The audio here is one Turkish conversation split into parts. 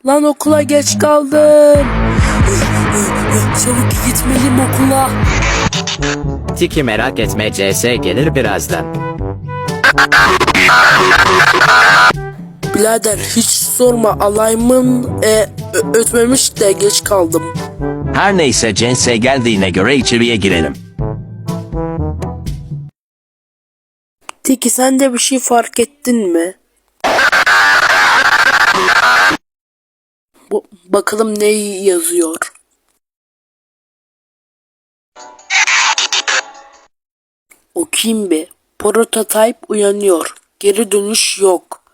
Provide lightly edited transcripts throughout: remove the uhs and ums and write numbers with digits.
Lan okula geç kaldım. Çabuk gitmeliyim okula. Tiki merak etme, CS gelir birazdan. Birader hiç sorma, alayımın ötmemiş de geç kaldım. Her neyse, Cense geldiğine göre içeriye girelim. Tiki sen de bir şey fark ettin mi? Bakalım ne yazıyor. Okuyayım bir. Prototype uyanıyor. Geri dönüş yok.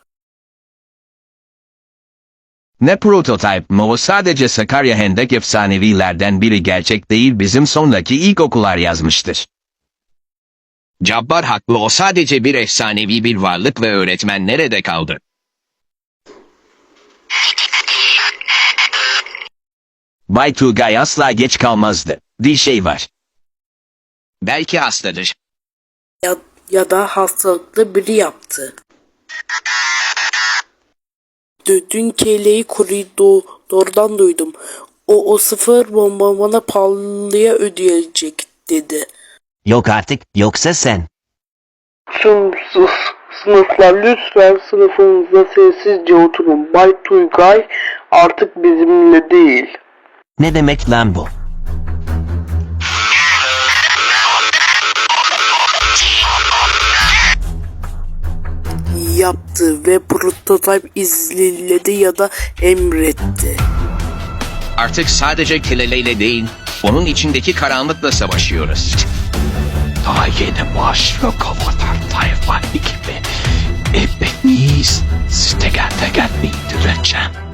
Ne prototype mı o, sadece Sakarya Hendek efsanevilerden biri, gerçek değil, bizim sondaki ilkokullar yazmıştır. Cabbar haklı, o sadece bir efsanevi bir varlık ve öğretmen nerede kaldı? Bay Tugay asla geç kalmazdı. Bir şey var. Belki hastadır. Ya da hastalıklı biri yaptı. Dün keleği koridordan duydum. O sıfır bomba bana pahalıya ödeyecek dedi. Yok artık, yoksa sen. Sınıflar lütfen sınıfınızda sessizce oturun. Bay Tuygay artık bizimle değil. Ne demek lan bu? Yaptı ve prototype izledi ya da emretti. Artık sadece Kileleyle değil, onun içindeki karanlıkla savaşıyoruz. Daha yeni başlıyor Kovatar Tayfa ekibi. Hepiniz teker teker bildireceğim.